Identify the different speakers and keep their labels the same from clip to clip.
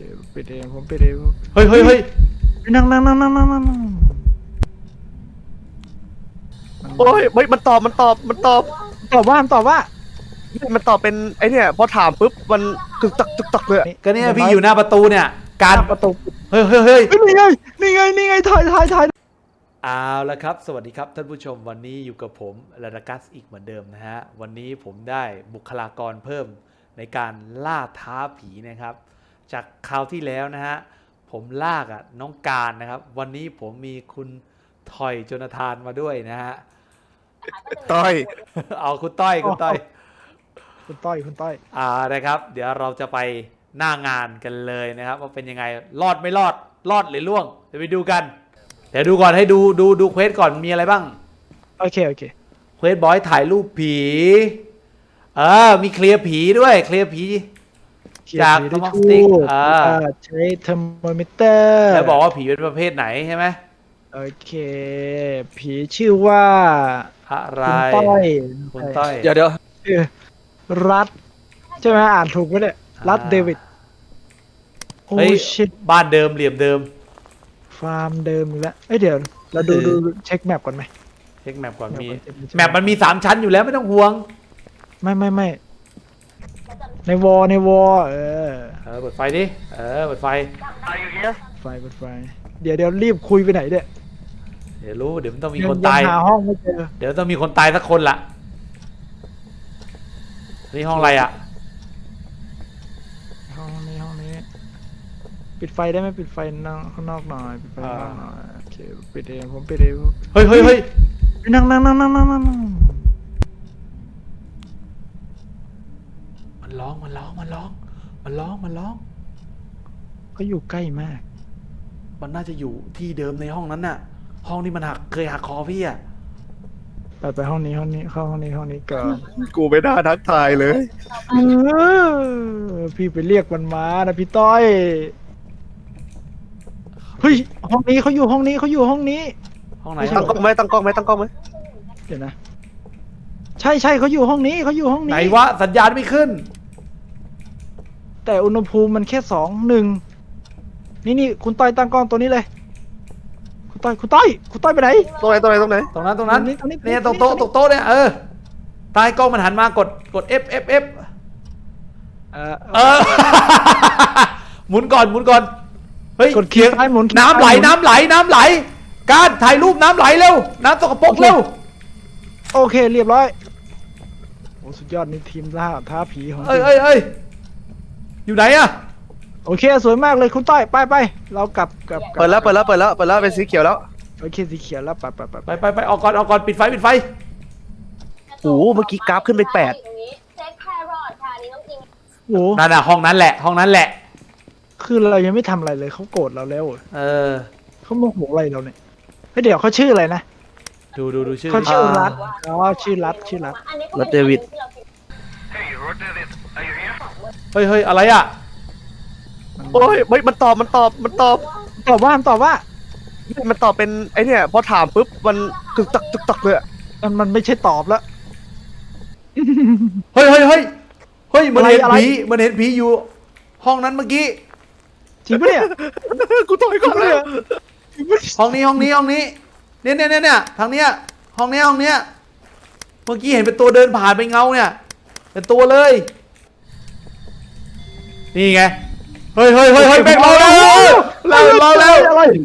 Speaker 1: ปิดเองผมปิดเอง
Speaker 2: เฮ้ยเฮ้ยเฮ้ย
Speaker 1: นั่ง
Speaker 3: โอ้ยไม่มันตอบ
Speaker 1: ตอบว่า
Speaker 3: มันตอบเป็นไอเนี่ยพอถามปุ๊บมันตึกตักเลยอะ
Speaker 2: ก็เนี่ยพี่อยู่หน้าประตูเนี่ยการ
Speaker 1: ประตู
Speaker 2: เฮ้ยเฮ้ยเฮ้ย
Speaker 1: นี่ไงถ่าย
Speaker 2: เอาละครับสวัสดีครับท่านผู้ชมวันนี้อยู่กับผมลาดากัสอีกเหมือนเดิมนะฮะวันนี้ผมได้บุคลากรเพิ่มในการล่าท้าผีนะครับจากคราวที่แล้วนะฮะผมลากน้องการนะครับวันนี้ผมมีคุณทอยโจนาธานมาด้วยนะฮะ
Speaker 3: ต้อย
Speaker 2: เอาคุณต้อยนะครับเดี๋ยวเราจะไปหน้างานกันเลยนะครับว่าเป็นยังไงรอดไม่รอดหรือล่วงเดี๋ยวไปดูกันเดี๋ยวดูก่อนให้ดูเควสก่อนมีอะไรบ้าง
Speaker 1: โอเค
Speaker 2: เควสบอยถ่ายรูปผีมีเคลียร์ผีด้วยเคลียร์ผีจากทอมสติก
Speaker 1: ใช้เทอร์โมมิเตอร์
Speaker 2: แล้วบอกว่าผีเป็นประเภทไหนใช่ไหม
Speaker 1: โอเคผีชื่อว่า
Speaker 2: อะไรคุณต้อย
Speaker 3: เดี๋ยว
Speaker 1: รัฐใช่ไหมอ่านถูกไหมเนี่ยรัฐเดวิด
Speaker 2: โอ้ชิตบ้านเดิมเหลี่ยมเดิม
Speaker 1: ฟาร์มเดิมแล้วเดี๋ยวเราดูเช็คแมปก่อนไหม
Speaker 2: เช็คแมปก่อนมีแมปมันมี3ชั้นอยู่แล้วไม่ต้องห่วง
Speaker 1: ไม่ในวอ
Speaker 2: เปิดไฟดิเปิดไฟ
Speaker 1: เปิดไฟเดี๋ยวรีบคุยไปไหนเนี่ย
Speaker 2: เดี๋ยวรู้เดี๋ยวมันต้องมีคนตาย
Speaker 1: หาห้องไม่เจอ
Speaker 2: เดี๋ยวต้องมีคนตายสักคนละนี่ห้องอะไร
Speaker 1: ห้องนี้ปิดไฟได้ไหมปิดไฟข้างนอกหน่อยปิดไฟข้างนอกหน่อยโอเคปิดเองผมปิดเอง
Speaker 2: เฮ้ย
Speaker 1: นั่ง
Speaker 2: มันร้อง
Speaker 1: เขาอยู่ใกล้มาก
Speaker 2: มันน่าจะอยู่ที่เดิมในห้องนั้นน่ะห้องที่มันเคยหักคอพี่
Speaker 1: ไปห้องนี้เข้าห้องนี้ก่อน
Speaker 3: กูไม่น่าทักทายเลย
Speaker 1: พี่ไปเรียกมันมานะพี่ต้อยเฮ้ยห้องนี้เขาอยู่ห้องนี้
Speaker 2: ห้องไหน
Speaker 3: ตั้งกล้องไหม
Speaker 1: เดี๋ยวนะใช่เขาอยู่ห้องนี้
Speaker 2: ไหนวะสัญญาณไม่ขึ้น
Speaker 1: แต่อุณหภูมิมันแค่2-1นี่คุณต้อยตั้งกล้องตัวนี้เลยคุณต้อยไปไหน
Speaker 3: ตรงไหน
Speaker 2: ตรงนั้นเนี่ยตรงโต๊ะเนี่ยใต้กล้องมันหันมากด F หมุนก่อนเฮ้ย
Speaker 1: กดเคียงซ้ายหมุน
Speaker 2: น้ำไหลการถ่ายรูปน้ำไหลเร็วน้ำสกปรกเร็ว
Speaker 1: โอเคเรียบร้อยโอ้สุดยอดนี่ทีมท้าผีของ
Speaker 2: อยู่ไหน
Speaker 1: โอเคสวยมากเลยคุณต้อยไปเรากลับ
Speaker 3: เปิดแล้วเป็นสีเขียวแล้ว
Speaker 1: โอเคสีเขียวแล้ว
Speaker 2: ไปออกก่อนปิดไฟ
Speaker 3: โอ้เมื่อกี้กราฟขึ้นไป8
Speaker 1: โอ้
Speaker 2: นั่นน่ะห้องนั้นแหละ
Speaker 1: คือเรายังไม่ทำอะไรเลยเขาโกรธเราแล้วเขาโมโหอะไรเราเนี่ยเดี๋ยวเขาชื่ออะไรนะ
Speaker 2: ดูชื่อ
Speaker 1: เขาชื่อรัฐชื่อรัฐ
Speaker 3: เดวิด
Speaker 2: เฮ้ยอะไร
Speaker 3: โอ้ยไม่มันตอบ
Speaker 1: ว่ามันตอบ
Speaker 3: เป็นไอเนี่ยพอถามปุ๊บมันตึกตักเลยอะ
Speaker 1: มันไม่ใช่ตอบแล้ว
Speaker 2: เฮ้ยมันเห็นผีอยู่ห้องนั้นเมื่อกี้
Speaker 1: จริงปะเนี่ย
Speaker 3: กูต่อยก่อนเลย
Speaker 2: ห้องนี้เนี่ยทางเนี้ยห้องเนี้ยเมื่อกี้เห็นเป็นตัวเดินผ่านไปเงาเนี่ยเป็นตัวเลยนี่ไงเฮ้ยแบกเราแล้ว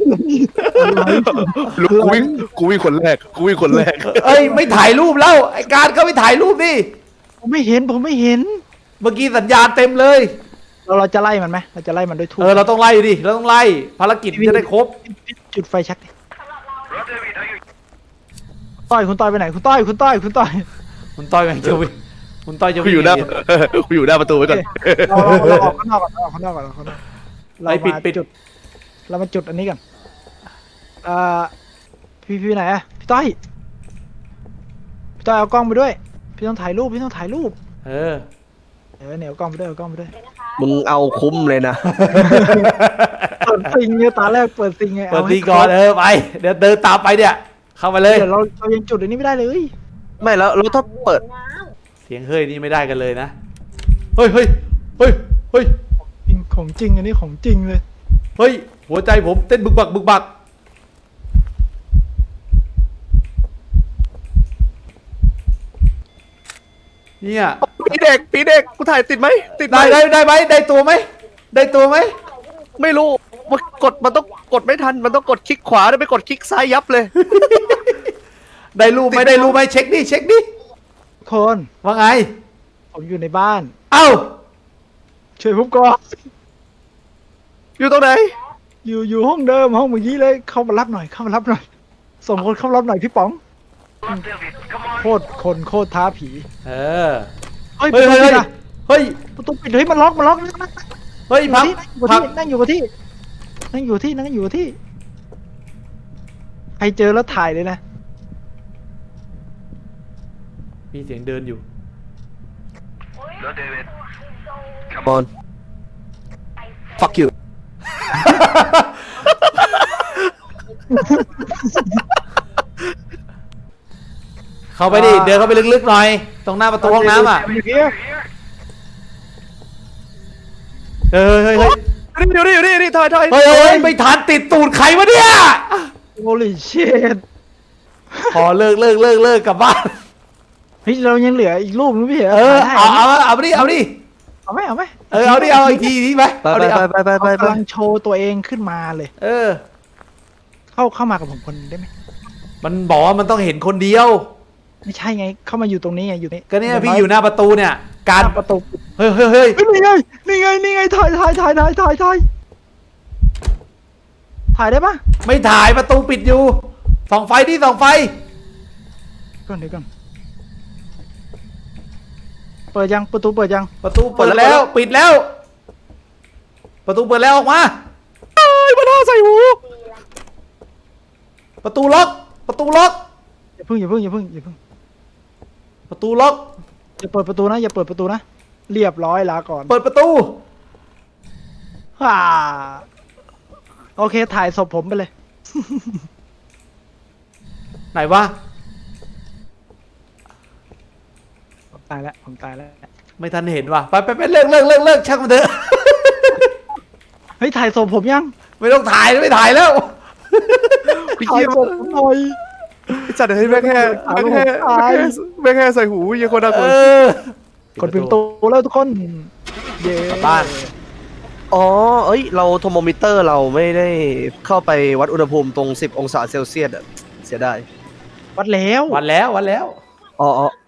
Speaker 3: กูวิ่งคนแรก
Speaker 2: เอ้ยไม่ถ่ายรูปแล้วไอ้การก็ไม่ถ่ายรูปดิ
Speaker 1: ผมไม่เห็น
Speaker 2: เมื่อกี้สัญญาณเต็มเลย
Speaker 1: เราจะไล่มันไหมเราจะไล่มันด้วยทูบ
Speaker 2: เราต้องไล่ดิภารกิจจะได้ครบ
Speaker 1: จุดไฟชักคุณต้อยไปไหนคุณต้อย
Speaker 2: แม่งจะวิ่งคุณต้อยจะวิ่ง
Speaker 3: อยู่หน้าประตูไว้ก่อน
Speaker 1: เราออกข้างนอกก่อนเรา
Speaker 2: ปิด
Speaker 1: จุดเรามาจุดอันนี้กันพี่ไหนพี่ต้อยเอากล้องไปด้วยพี่ต้องถ่ายรูปเนี่ยเอากล้องไปด้วย
Speaker 3: มึงเอาคุ้มเลยนะ
Speaker 1: เปิดซิงเนี่ยตาแรกเปิดซิงไง
Speaker 2: เปิดซิงก่อนไปเดี๋ยวเดินตามไปเนี่ยเข้ามาเลย
Speaker 1: เดี๋ยวเรายังจุดอันนี้ไม่ได้เลย
Speaker 3: ไม่แล้วถ้าเปิด
Speaker 2: เสียงเฮ้ยนี่ไม่ได้กันเลยนะเฮ้ย
Speaker 1: จของจริงอันนี้ของจริงเลย
Speaker 2: เฮ้ยหัวใจผมเต้นบึกบักบึกบักเนี่ย
Speaker 3: ผีเด็กกูถ่ายติดไหมติดไหม
Speaker 2: ได้ไหมได้ตัวไหมได้ตัวไหม
Speaker 3: ไม่รู้มันต้องกดไม่ทันมันต้องกดคลิกขวาแล้วไปกดคลิกซ้ายยับเลย
Speaker 2: ได้รูปไหมได้รูปไหมเช็คดิเช็คดิ
Speaker 1: คน
Speaker 2: ว่าไง
Speaker 1: ผมอยู่ในบ้าน
Speaker 2: เอ้า
Speaker 1: ช่วยผมก่อน
Speaker 3: อยู่ตรงไหน
Speaker 1: อยู่ห้องเดิมห้องเมื่อกี้เลยเข้ามารับหน่อยเข้ามารับหน่อยส่งคนเข้ามารับหน่อยพี่ป๋องโคตรคนโคตรท้าผี
Speaker 2: เออ
Speaker 1: เฮ้ย
Speaker 2: เฮ้ย
Speaker 1: ประตู
Speaker 2: เฮ้ย
Speaker 1: ปิดอะ
Speaker 2: เฮ้ย
Speaker 1: ประตูปิดเฮ้ยมันล็อกนั่ง
Speaker 2: เฮ้ยพักพัก
Speaker 1: นั่งอยู่กับที่นั่งอยู่กับที่ใครเจอแล้วถ่ายเลยนะ
Speaker 2: มีเสียงเดินอยู่
Speaker 3: Come on fuck you
Speaker 2: เข้าไปดิเดินเข้าไปลึกๆหน่อย ตรงหน้าประตูห้องน้ำอ่ะ
Speaker 1: อยู่เนี่ย
Speaker 2: เฮ้ยเฮ้ยเฮ้ย
Speaker 3: อยู่นี่ถอย
Speaker 2: เฮ้ยเฮ้ยไม่ทันติดตูดใครวะเนี่ย
Speaker 1: โอลิเชต
Speaker 2: พอเลิกกลับบ้าน
Speaker 1: เฮ้ยเรายังเหลืออีกรูปนึงพี่เหรอ
Speaker 2: เออ
Speaker 1: ถ่ย
Speaker 2: เอา
Speaker 1: ได้
Speaker 2: เอาไปดิเอาดิ
Speaker 1: เอาไหมเอาไหม
Speaker 2: เออเอาดิเอาอีกทีไหม
Speaker 3: ไป
Speaker 2: เอาดิเอา
Speaker 3: ไป
Speaker 1: กำลังโชว์ตัวเองขึ้นมาเลย
Speaker 2: เออ
Speaker 1: เข้ามากับผมคนหนึ่งได้ไหม
Speaker 2: มันบอกว่ามันต้องเห็นคนเดียว
Speaker 1: ไม่ใช่ไงเข้ามาอยู่ตรงนี้ไงอยู่นี่
Speaker 2: ก็เนี่ยพี่อยู่หน้าประตูเนี่ย การ
Speaker 1: หน้ประตู
Speaker 2: เฮ้ยเฮ้ยเฮ้ย
Speaker 1: เฮ้ยนี่ไงถ่ายถ่ายได้ปะ
Speaker 2: ไม่ถ่ายประตูปิดอยู่ส่องไฟดิส่องไฟ
Speaker 1: ก่อนเดี๋ยวก่อนเปิดยังประตูเปิดยัง
Speaker 2: ประตูเปิดแล้วปิดแล้ว ประตูเปิดแล้วออกมา
Speaker 3: เอ้ยมาท่าใส่หู
Speaker 2: ประตูล็อก ประตูล็อก
Speaker 1: อย่าเพิ่ง
Speaker 2: ประตูล็อก
Speaker 1: อย่าเปิดประตูนะอย่าเปิดประตูนะเรียบร้อยลาก่อน
Speaker 2: เปิดประตู
Speaker 1: ฮ่าโอเคถ่ายศพผมไปเลย
Speaker 2: ไหนวะ
Speaker 1: ผมตายแล้ว
Speaker 2: ไม่ทันเห็นว่ะไปเลิกช่างมันเถอะ
Speaker 1: เฮ้ยถ่ายศพผมยัง
Speaker 2: ไม่ต้องถ่ายไม่ถ่ายแล้ว
Speaker 1: ถ่ายศพผมหน่อย
Speaker 3: จัดให้แม่แค่ใส่หูยังคนน่ากลัว
Speaker 1: กดปิดประตูแล้วทุกคนเย้
Speaker 2: กลับบ้าน
Speaker 3: อ๋อเอ้ยเราโทรโมมิเตอร์เราไม่ได้เข้าไปวัดอุณหภูมิตรง10 องศาเซลเซียสอะเสียดาย
Speaker 1: วัดแล้ว
Speaker 2: วันแล้ว
Speaker 3: อ๋อ